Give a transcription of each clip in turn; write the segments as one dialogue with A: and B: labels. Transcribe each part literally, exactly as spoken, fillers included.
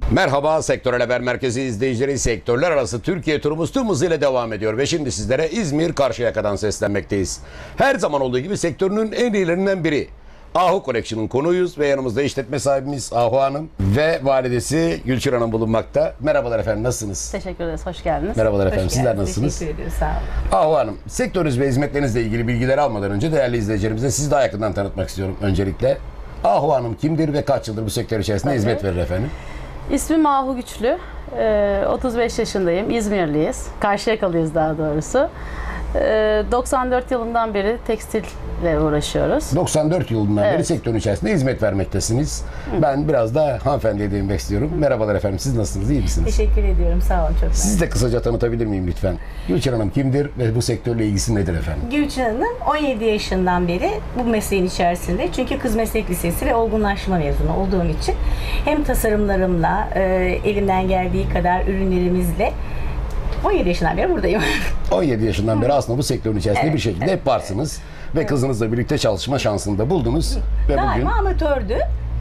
A: Merhaba Sektörel Haber Merkezi izleyicileri, sektörler arası Türkiye turumuz tüm hızıyla devam ediyor ve şimdi sizlere İzmir Karşıyaka'dan seslenmekteyiz. Her zaman olduğu gibi sektörünün en iyilerinden biri Ahu Collection'ın konuğuyuz ve yanımızda işletme sahibimiz Ahu Hanım ve validesi Gülçin Hanım bulunmakta. Merhabalar efendim, nasılsınız?
B: Teşekkür ederiz, hoş geldiniz.
A: Merhabalar efendim,
B: Hoş
A: sizler
B: geldiniz.
A: nasılsınız?
B: Teşekkür ediyoruz, sağ olun.
A: Ahu Hanım, sektörünüz ve hizmetlerinizle ilgili bilgileri almadan önce değerli izleyicilerimize sizi daha yakından tanıtmak istiyorum öncelikle. Ahu Hanım kimdir ve kaç yıldır bu sektör içerisinde
B: Tabii.
A: hizmet verir efendim?
B: İsmim Ahu Güçlü, Ee, otuz beş yaşındayım, İzmirliyiz, Karşıyakalıyız daha doğrusu. Ee, doksan dört yılından beri tekstille uğraşıyoruz.
A: doksan dört yılından beri
B: Evet.
A: sektörün içerisinde hizmet vermektesiniz. Hı. Ben biraz da hanımefendiye değinmek istiyorum. Hı. Merhabalar efendim, siz nasılsınız, iyi misiniz?
C: Teşekkür ediyorum, sağ olun, çok
A: Sizi de kısaca tanıtabilir miyim lütfen? Gülçin Hanım kimdir ve bu sektörle ilgisi nedir efendim?
C: Gülçin Hanım on yedi yaşından beri bu mesleğin içerisinde. Çünkü Kız Meslek Lisesi ve olgunlaşma mezunu olduğum için hem tasarımlarımla, e, elimden geldiği kadar ürünlerimizle on yedi yaşından beri buradayım.
A: on yedi yaşından beri aslında bu sektörün içerisinde
C: Evet,
A: bir şekilde
C: evet,
A: hep varsınız. Ve kızınızla birlikte çalışma şansını da buldunuz. Ve
C: Daima
A: bugün
C: amatördü.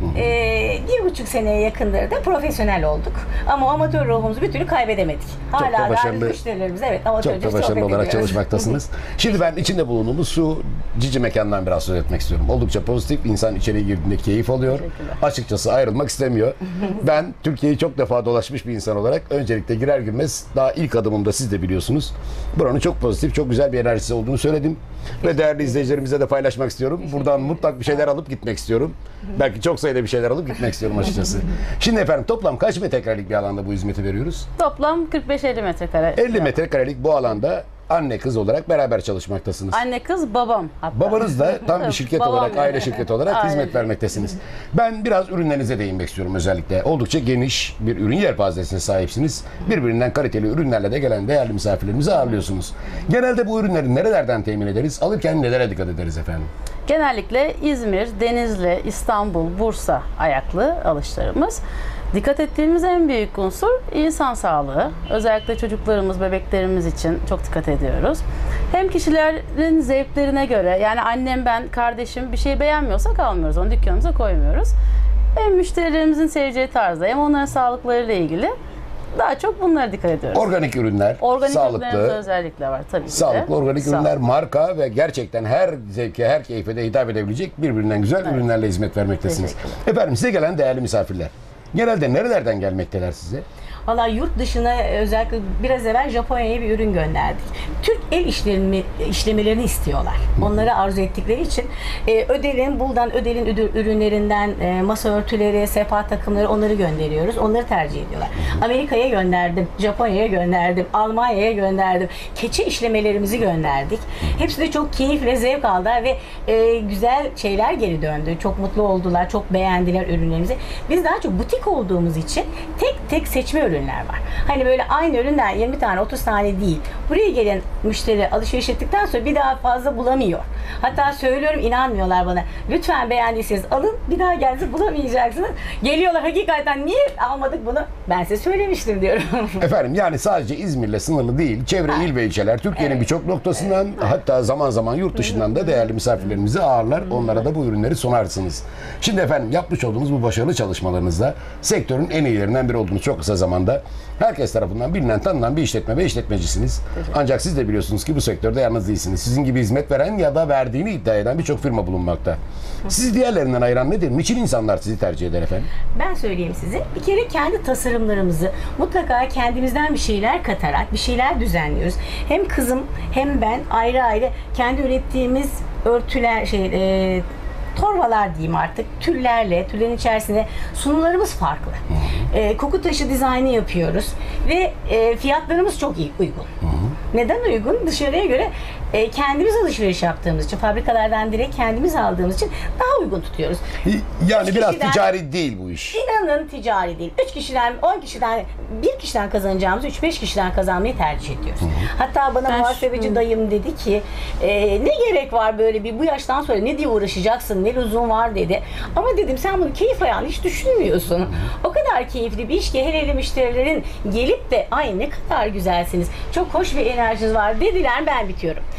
C: Ee, bir buçuk seneye yakındır da profesyonel olduk. Ama amatör ruhumuzu bir türlü kaybedemedik. Hala
A: da
C: da
A: başarılı-
C: müşterilerimiz evet
A: çok
C: amatörce
A: da başarılı
C: sohbet
A: olarak
C: ediyoruz.
A: çalışmaktasınız. Şimdi ben içinde bulunduğumuz şu cici mekandan biraz söz etmek istiyorum. Oldukça pozitif, insan içeri girdiğinde keyif alıyor. Açıkçası ayrılmak istemiyor. Ben Türkiye'yi çok defa dolaşmış bir insan olarak öncelikle girer girmez daha ilk adımımda siz de biliyorsunuz. Buranın çok pozitif, çok güzel bir enerjisi olduğunu söyledim. Ve değerli izleyicilerimize de paylaşmak istiyorum. Buradan mutlak bir şeyler alıp gitmek istiyorum. Belki çok sayıda bir şeyler alıp gitmek istiyorum açıkçası. Şimdi efendim toplam kaç metrekarelik bir alanda bu hizmeti veriyoruz?
B: Toplam kırk beş elli metrekare.
A: elli metrekarelik bu alanda anne kız olarak beraber çalışmaktasınız.
B: Anne kız babam hatta.
A: Babanız da tam bir şirket
B: Babam
A: olarak,
B: yani.
A: aile şirketi olarak
B: Aile.
A: hizmet vermektesiniz. Ben biraz ürünlerinize değinmek istiyorum özellikle. Oldukça geniş bir ürün yelpazesine sahipsiniz. Birbirinden kaliteli ürünlerle de gelen değerli misafirlerimizi ağırlıyorsunuz. Genelde bu ürünleri nerelerden temin ederiz? Alırken nelere dikkat ederiz efendim?
B: Genellikle İzmir, Denizli, İstanbul, Bursa ayaklı alışlarımız. Dikkat ettiğimiz en büyük unsur insan sağlığı. Özellikle çocuklarımız, bebeklerimiz için çok dikkat ediyoruz. Hem kişilerin zevklerine göre, yani annem, ben, kardeşim bir şey beğenmiyorsak almıyoruz, onu dükkanımıza koymuyoruz. Hem müşterilerimizin seveceği tarzda hem onların sağlıklarıyla ilgili daha çok bunlara dikkat ediyoruz.
A: Organik ürünler,
B: Organik ürünlerimiz
A: sağlıklı,
B: özellikle var tabii ki de.
A: sağlıklı organik
B: Sağlıklı.
A: ürünler, marka ve gerçekten her zevke, her keyfe de hitap edebilecek birbirinden güzel
B: Evet.
A: ürünlerle hizmet vermektesiniz.
B: Teşekkürler.
A: Efendim size gelen değerli misafirler. Genelde nerelerden gelmekteler size?
C: Valla yurt dışına özellikle biraz evvel Japonya'ya bir ürün gönderdik. Türk el işlerini, işlemelerini istiyorlar. Onları arzu ettikleri için e, Ödel'in, Buldan Ödel'in üdü- ürünlerinden e, masa örtüleri, sehpa takımları onları gönderiyoruz. Onları tercih ediyorlar. Amerika'ya gönderdim, Japonya'ya gönderdim, Almanya'ya gönderdim. Keçe işlemelerimizi gönderdik. Hepsi de çok keyifle zevk aldılar ve e, güzel şeyler geri döndü. Çok mutlu oldular, çok beğendiler ürünlerimizi. Biz daha çok butik olduğumuz için tek tek seçme ürünler var. Hani böyle aynı üründen yirmi tane otuz tane değil. Buraya gelen müşteri alışveriş ettikten sonra bir daha fazla bulamıyor. Hatta söylüyorum, inanmıyorlar bana. Lütfen beğendiyseniz alın, bir daha gelse bulamayacaksınız. Geliyorlar, hakikaten niye almadık bunu? Ben size söylemiştim diyorum.
A: Efendim yani sadece İzmir'le sınırlı değil, çevre il ve ilçeler Türkiye'nin
C: Evet.
A: birçok noktasından, hatta zaman zaman yurt dışından da değerli misafirlerimizi ağırlar. Onlara da bu ürünleri sunarsınız. Şimdi efendim yapmış olduğunuz bu başarılı çalışmalarınızda sektörün en iyilerinden biri olduğunuz çok kısa zamanda herkes tarafından bilinen, tanınan bir işletme ve işletmecisiniz. Ancak siz de biliyorsunuz ki bu sektörde yalnız değilsiniz. Sizin gibi hizmet veren ya da verdiğini iddia eden birçok firma bulunmakta. Sizi diğerlerinden ayıran nedir? Niçin insanlar sizi tercih eder efendim?
C: Ben söyleyeyim size. Bir kere kendi tasarımlarımızı mutlaka kendimizden bir şeyler katarak bir şeyler düzenliyoruz. Hem kızım hem ben ayrı ayrı kendi ürettiğimiz örtüler, şey, e, torbalar diyeyim artık, tüllerle, tüllerin içerisinde sunumlarımız farklı. E, koku taşı dizaynı yapıyoruz ve e, fiyatlarımız çok iyi, uygun. Neden uygun? Dışarıya göre e, kendimiz alışveriş yaptığımız için, fabrikalardan direkt kendimiz aldığımız için daha uygun tutuyoruz.
A: Yani
C: Üç
A: biraz
C: kişiden-
A: ticari değil bu iş.
C: İnanın ticari değil. üç kişiden, on kişiden, bir kişiden kazanacağımızı üç beş kişiden kazanmayı tercih ediyoruz. Hatta bana
B: Ben
C: muhasebeci
B: şu-
C: dayım dedi ki e, ne gerek var böyle bir, bu yaştan sonra ne diye uğraşacaksın, ne lüzum var dedi. Ama dedim sen bunu keyif ayağını hiç düşünmüyorsun. O kadar keyifli bir iş ki hele hele müşterilerin gelip de ay ne kadar güzelsiniz, çok hoş bir enerjiniz var dediler, ben bitiyorum.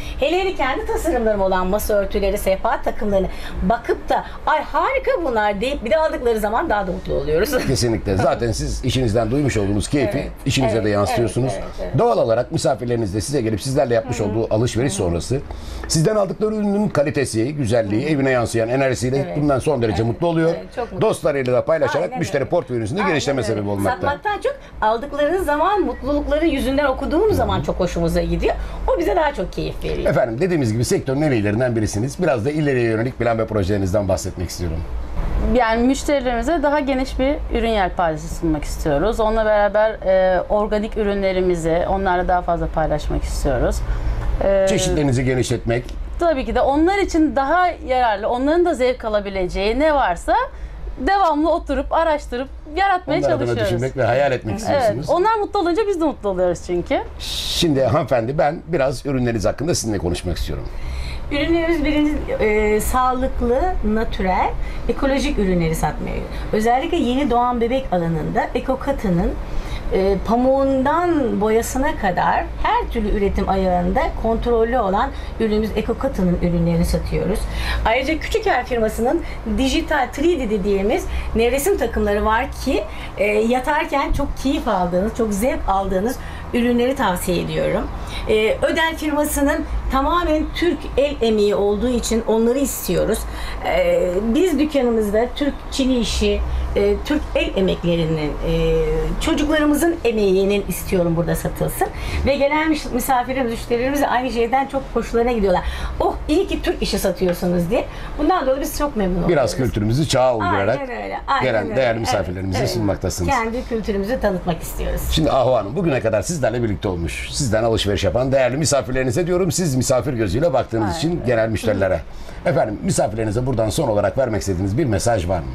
C: Hele hele kendi tasarımlarım olan masa örtüleri, sehpa takımlarını bakıp da ay harika bunlar deyip bir de aldıkları zaman daha da mutlu oluyoruz.
A: Kesinlikle. Zaten siz işinizden duymuş olduğunuz keyfi
C: Evet,
A: işinize
C: evet,
A: de yansıtıyorsunuz.
C: evet, evet, evet.
A: Doğal olarak misafirleriniz de size gelip sizlerle yapmış olduğu alışveriş sonrası sizden aldıkları ürünün kalitesi, güzelliği, evine yansıyan enerjisiyle
C: Evet.
A: bundan son derece
C: Evet,
A: mutlu oluyor.
C: evet, çok mutlu.
A: Dostlarıyla da paylaşarak
C: Aynen
A: müşteri
C: öyle.
A: portföyünüzün de
C: Aynen
A: genişleme
C: öyle.
A: sebebi olmakta.
C: Satmaktan çok aldıkları zaman mutlulukları yüzünden okuduğumuz zaman çok hoşumuza gidiyor. O bize daha çok keyif veriyor.
A: Efendim dediğimiz gibi sektörün en iyilerinden birisiniz. Biraz da ileriye yönelik plan ve projelerinizden bahsetmek istiyorum.
B: Yani müşterilerimize daha geniş bir ürün yelpazesi sunmak istiyoruz. Onunla beraber e, organik ürünlerimizi onlarla daha fazla paylaşmak istiyoruz. E,
A: Çeşitlerinizi genişletmek,
B: Tabii ki de onlar için daha yararlı, onların da zevk alabileceği ne varsa devamlı oturup araştırıp yaratmaya
A: onlar adına
B: çalışıyoruz.
A: düşünmek ve hayal etmek
B: Evet,
A: istiyorsunuz.
B: onlar mutlu olunca biz de mutlu oluyoruz çünkü.
A: Şimdi hanımefendi ben biraz ürünleriniz hakkında sizinle konuşmak istiyorum.
C: Ürünlerimiz birinci e, sağlıklı, natürel, ekolojik ürünleri satmaya. Özellikle yeni doğan bebek alanında EcoCotton'ın e, pamuğundan boyasına kadar her türlü üretim ayağında kontrollü olan ürünümüz EcoCotton'ın ürünlerini satıyoruz. Ayrıca Küçüker firmasının dijital üç D dediğimiz nevresim takımları var ki e, yatarken çok keyif aldığınız, çok zevk aldığınız ürünleri tavsiye ediyorum. E, Ödel firmasının tamamen Türk el emeği olduğu için onları istiyoruz. E, biz dükkanımızda Türk çini işi, e, Türk el emeklerinin, e, çocuklarımızın emeğinin istiyorum burada satılsın. Ve gelen mis- misafirlerimiz, müşterilerimiz de aynı şeyden çok hoşlarına gidiyorlar. Oh iyi ki Türk işi satıyorsunuz diye. Bundan dolayı biz çok memnun oluyoruz.
A: Biraz kültürümüzü çağa uydurarak
C: Aynen öyle, aynen
A: gelen
C: öyle.
A: değerli
C: Evet,
A: misafirlerimize
C: evet.
A: sunmaktasınız.
C: Kendi kültürümüzü tanıtmak istiyoruz.
A: Şimdi Ahu Hanım bugüne kadar sizlerle birlikte olmuş, sizden alışveriş yapan değerli misafirlerinize diyorum, siz misafir gözüyle baktığınız
B: Aynen.
A: için genel müşterilere. Efendim misafirlerinize buradan son olarak vermek istediğiniz bir mesaj var mı?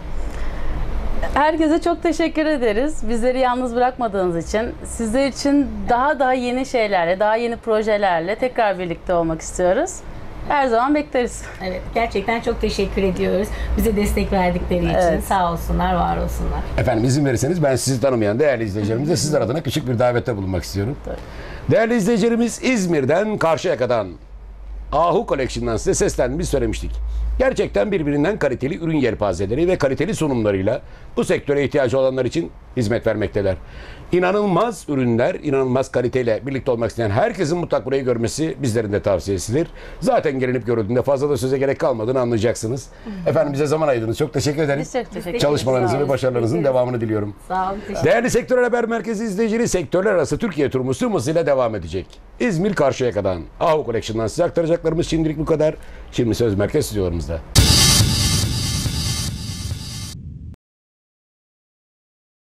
B: Herkese çok teşekkür ederiz. Bizleri yalnız bırakmadığınız için. Sizler için daha daha yeni şeylerle, daha yeni projelerle tekrar birlikte olmak istiyoruz. Her zaman bekleriz.
C: Evet, gerçekten çok teşekkür ediyoruz. Bize destek verdikleri için.
B: Evet.
C: Sağ olsunlar, var olsunlar.
A: Efendim izin verirseniz ben sizi tanımayan değerli izleyicilerimize sizler adına küçük bir davette bulunmak istiyorum. Değerli izleyicilerimiz, İzmir'den Karşıyaka'dan Ahu Collection'dan size seslendiğimizi söylemiştik. Gerçekten birbirinden kaliteli ürün yelpazeleri ve kaliteli sunumlarıyla bu sektöre ihtiyacı olanlar için hizmet vermekteler. İnanılmaz ürünler, inanılmaz kaliteyle birlikte olmak isteyen herkesin mutlak burayı görmesi bizlerin de tavsiyesidir. Zaten gelinip görüldüğünde fazla da söze gerek kalmadığını anlayacaksınız. Efendim bize zaman ayırdınız. Çok teşekkür ederim.
B: Biz çok teşekkür ederiz.
A: Çalışmalarınızın
B: Sağ
A: ve
B: olun.
A: başarılarınızın
C: Teşekkür
A: devamını diliyorum.
C: Sağ olun, teşekkür
A: Değerli Sektör Haber Merkezi izleyicileri, sektörler arası Türkiye turumuz tüm hızıyla devam edecek. İzmir Karşıyaka'dan Ahu Collection'dan size aktaracaklarımız şimdilik bu kadar. Şimdi söz merkez stüdyolarımızda.